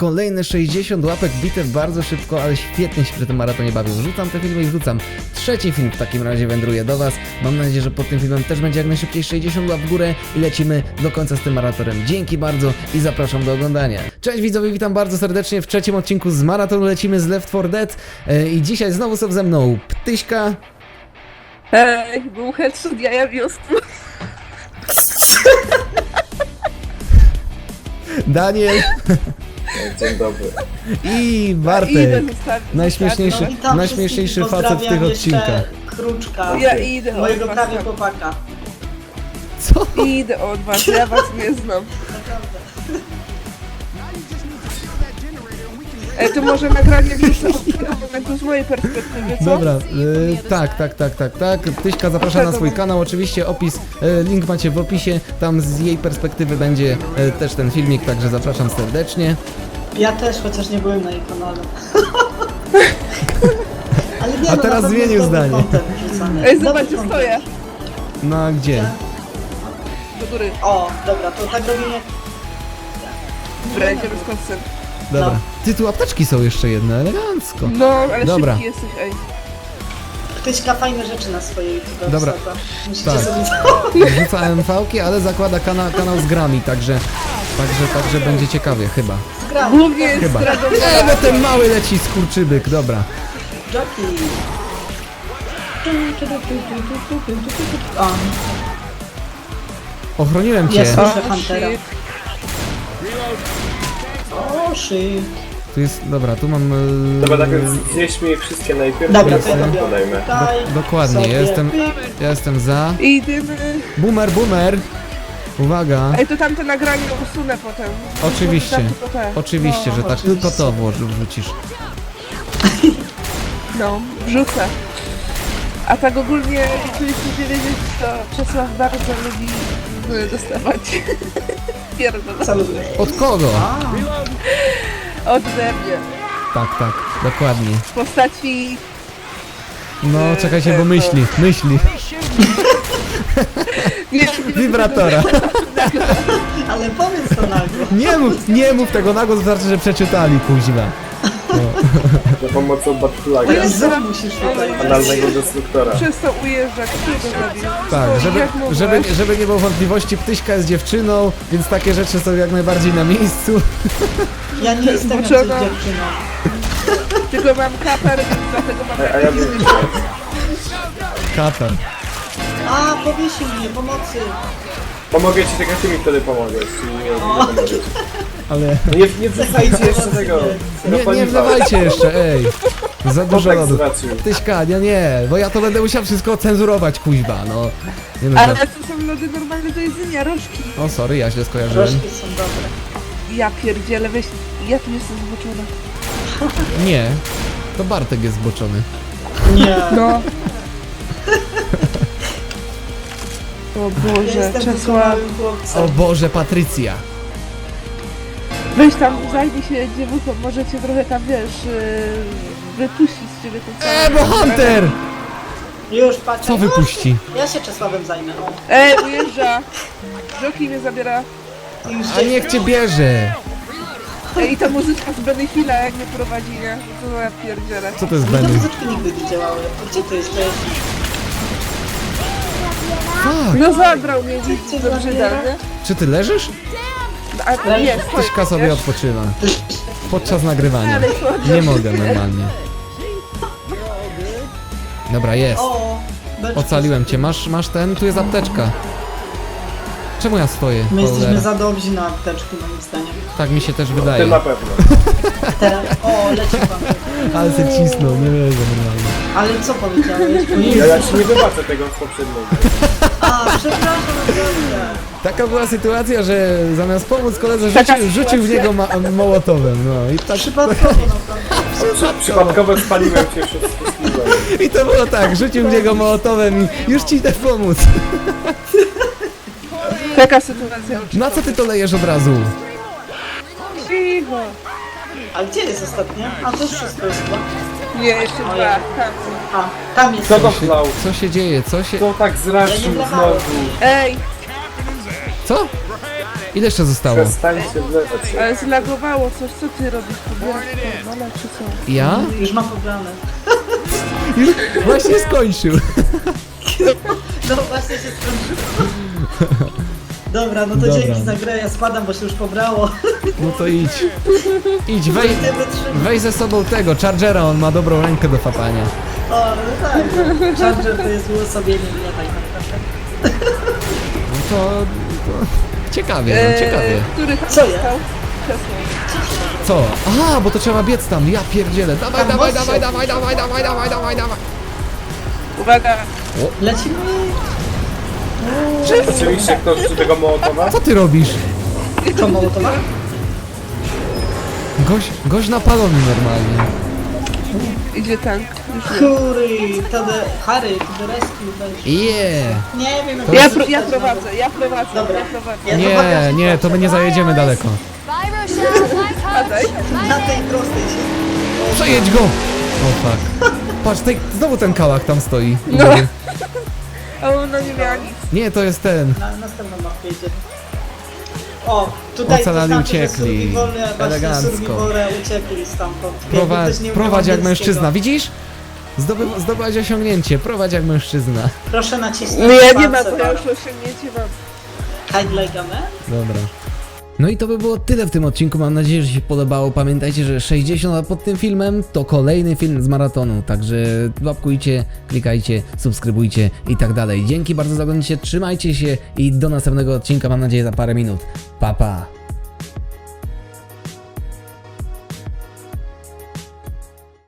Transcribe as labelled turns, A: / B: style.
A: Kolejne 60 łapek bitew bardzo szybko, ale świetnie się przy tym maratonie bawił. Wrzucam te filmy i wrzucam. Trzeci film w takim razie wędruje do Was. Mam nadzieję, że pod tym filmem też będzie jak najszybciej 60 łap w górę i lecimy do końca z tym maratonem. Dzięki bardzo i zapraszam do oglądania. Cześć widzowie, witam bardzo serdecznie w trzecim odcinku z maratonu. Lecimy z Left 4 Dead i dzisiaj znowu są ze mną Ptyśka.
B: Był headshot jaja wiosny.
A: Daniel
C: Dzień dobry.
A: i Bartek. Najśmieszniejszy facet w tych odcinkach.
D: Kruczka,
B: Ja idę
D: mojego
B: od was.
D: prawie chłopaka.
A: Co?
B: Idę od was, ja was nie znam. To może nagranie wrzucę odcinek z mojej perspektywy, co?
A: Dobra, tak. Ptyśka zaprasza na swój kanał, oczywiście opis, link macie w opisie, tam z jej perspektywy będzie też ten filmik, także zapraszam serdecznie.
D: Ja też, chociaż nie byłem na jej kanale. Ale nie,
A: A
D: no,
A: teraz
D: na pewno
A: zmienił
D: jest dobry
A: zdanie.
D: content wrzucany.
B: Ej,
D: Dobry
B: zobaczcie,
D: content.
B: stoję.
A: No a gdzie?
B: Do góry.
D: O, dobra, to tak robimy.
B: Dobra, idziemy z koncem.
A: Dobra. Ty, tu apteczki są jeszcze jedne, elegancko.
B: No, ale
A: Dobra.
B: szybki jesteś, ej.
D: Ptyśka fajne rzeczy na swojej YouTube
A: Dobra.
D: wsadza. Musicie
A: Tak.
D: sobie
A: Rzuca MV-ki, ale zakłada kanał z grami, także będzie ciekawie, chyba.
D: zgrać.
B: Głównie jest
A: Chyba.
B: zdradowana.
A: No ten mały leci skurczybyk, dobra.
D: Jockey. O,
A: Ochroniłem cię.
D: ja słyszę
B: O,
D: Huntera.
B: shit.
D: O, shit.
A: Tu jest, dobra, tu mam...
C: Dobra, tak więc zjeźdźmy je wszystkie najpierw,
D: Dobra,
C: potem
D: to ja
C: podajmy.
D: Daj
A: Dokładnie,
D: sobie
A: ja jestem za.
B: Idziemy.
A: Boomer! Uwaga!
B: Ej, to tamte nagranie usunę potem.
A: Oczywiście.
B: Tam tylko te.
A: Oczywiście, że tak,
D: oczywiście.
A: tylko to wrzucisz.
B: No, wrzucę. A tak ogólnie chcieliśmy wiedzieć, to Czesław bardzo lubi dostawać pierdolę
D: Saluję.
A: Od kogo?
B: ode mnie.
A: Tak, dokładnie.
B: W postaci...
A: No, czekajcie, bo myśli.
B: Nie,
A: Wibratora.
D: Ale powiedz to nagle.
A: Nie mów tego na głos, wystarczy, że przeczytali, kuźwa.
C: Za pomocą Batflaga,
B: Jest-
D: Zrób musisz tutaj.
C: analnego destruktora.
B: przestał ujeżdżać, kto go zabił?
A: Tak,
B: Boże, jak mogłeś?
A: żeby nie było wątpliwości, Ptyśka jest dziewczyną, więc takie rzeczy są jak najbardziej na miejscu.
D: Ja nie jestem jakąś
B: Zboczona.
D: dziewczyną.
B: Tylko mam kaper, więc dlatego mam
C: A ja bym...
A: Katar.
D: A, powiesił mnie, pomocy.
C: Pomogę ci, tylko ty mi wtedy pomogłeś. Nie pomogę.
A: Ale
C: Nie wrzucajcie jeszcze tego.
A: nie wlewajcie jeszcze, ej. Za dużo
C: Chłopak
A: lodu.
C: zwracił.
A: Ptyśka, nie, bo ja to będę musiał wszystko cenzurować, kuźwa, no. Nie no,
B: Ale to są lody normalne do jedzenia, rożki.
A: o, sorry, ja źle skojarzyłem.
D: Troszki są dobre.
B: Ja pierdzielę, weź... Ja tu jestem zboczona.
A: Nie, to Bartek jest zboczony.
D: Nie.
B: No. O Boże,
D: Jestem
B: Czesław.
D: doskonałym chłopcem.
A: O Boże, Patrycja.
B: Weź tam, zajmij się dziewuchą, możecie trochę tam, wiesz, wypuścić z ciebie to całe...
A: Bo Hunter!
D: Już patrzę.
A: Co wypuści?
D: Ja się Czesławem zajmę. O.
B: Ujeżdża! Joki mnie zabiera.
D: Już
A: A niech cię bierze!
B: I ta muzyczka z Benny Hilla jak mnie prowadzi, nie? To ja pierdzielę.
A: Co to jest
D: No to
A: Benny?
D: muzyczki nigdy nie działały. A gdzie to jest? To jest...
A: Fuck!
B: No zabrał mnie gdzieś
D: Cię
B: do
D: zabiera?
B: brzydal, nie?
A: Czy ty leżysz?
B: A nie, stoi,
A: Ptyśka sobie
B: wiesz?
A: odpoczywa. Podczas nagrywania.
B: Ale słodko.
A: Nie mogę normalnie. Dobra, jest.
D: O, beczki.
A: Ocaliłem cię. Masz ten? Tu jest apteczka. Czemu ja stoję?
D: My jesteśmy
A: Cholera.
D: za dobrzy na apteczki, moim zdaniem.
A: Tak mi się też
C: Ty
A: wydaje.
C: na pewno.
D: Teraz... O, leci pan.
A: Ale się cisnął, nie wiem normalnie.
D: Ale co powiedziałeś?
C: Ja ci nie wybaczę tego z poprzedniego.
D: A, przepraszam, naprawdę.
A: Taka była sytuacja, że zamiast pomóc koledze
B: Taka
A: rzucił w niego mołotowem. No i tak.
D: Przypadkowo naprawdę.
C: Przypadkowo spaliłem cię wszystkiego.
A: I to było tak, rzucił w niego mołotowem i już ci idę pomóc.
B: Taka sytuacja.
A: Na co ty to lejesz od razu?
B: Cicho.
D: A gdzie jest ostatnia? A to już wszystko jest chyba.
B: Nie, jeszcze dwa. Tam.
D: A, tam jest.
C: Co to wlał?
A: Co się dzieje? Co się...
C: Kto tak zraszył znowu?
B: Ej,
A: Co? Ile jeszcze zostało?
C: Przestańcie wlewać się.
B: Ale zlagowało coś, co ty robisz? No czy co?
A: Ja?
D: Już mam pobrane.
A: Już właśnie skończył.
D: No właśnie się skończyło. Dobra, no to
A: Dobra.
D: dzięki za grę, ja spadam, bo się już pobrało.
A: No to idź. Idź,
D: Nie wytrzymam.
A: weź ze sobą tego, Chargera, on ma dobrą rękę do fapania.
D: O, no tak. Charger to jest uosobienie mnie tak naprawdę.
A: No to ciekawie, no ciekawie.
B: Który tam
D: Co ja?
B: został? Krzesło.
A: Co? Aha, bo to trzeba biec tam, ja pierdzielę. Dawaj,
D: Tam
A: dawaj,
D: most
A: dawaj,
D: się
A: dawaj, dawaj, dawaj, dawaj, dawaj, dawaj.
B: Uwaga!
D: Lecimy.
C: Oczywiście ktoś rzuci tego Mołotowa?
A: Co ty robisz?
D: To Mołotowa?
A: Gość napalony normalnie.
B: Idzie tank.
D: Kury, Harry, to the rescue, weź.
A: Yeah.
D: Nie wiem,
A: To
B: Ja,
A: jest-
B: ja prowadzę, ja prowadzę,
D: Dobra.
B: ja prowadzę.
D: Ja
A: Nie,
D: zobaczę,
A: nie, to my nie zajedziemy daleko.
E: Bye, Rochelle. Bye,
B: Padaj.
E: Coach.
D: Na tej prostej się...
A: Przejedź go! O fuck. Patrz, znowu ten kałach tam stoi.
B: No. A ona nie miała nic.
A: Nie, to jest ten.
D: Na następną mapkę idziemy. O, tutaj
A: Ocalali
D: to znaczy, że
A: uciekli.
D: survivole, właśnie
A: Elegancko.
D: survivole uciekli stamtąd.
A: Prowadź,
D: Jakby ktoś nie
A: prowadź
D: umiał
A: jak mężczyzna,
D: angielskiego.
A: widzisz? Zdobyłaś osiągnięcie, prowadź jak mężczyzna.
D: Proszę nacisnąć
B: No ja nie ma,
D: palce,
B: to ja
D: tak.
B: już osiągnięcie mam.
D: Hide like a man?
A: Dobra. No i to by było tyle w tym odcinku, mam nadzieję, że się podobało. Pamiętajcie, że 60 lat pod tym filmem to kolejny film z maratonu, także łapkujcie, klikajcie, subskrybujcie i tak dalej. Dzięki bardzo za oglądanie, trzymajcie się i do następnego odcinka, mam nadzieję za parę minut. Pa, pa!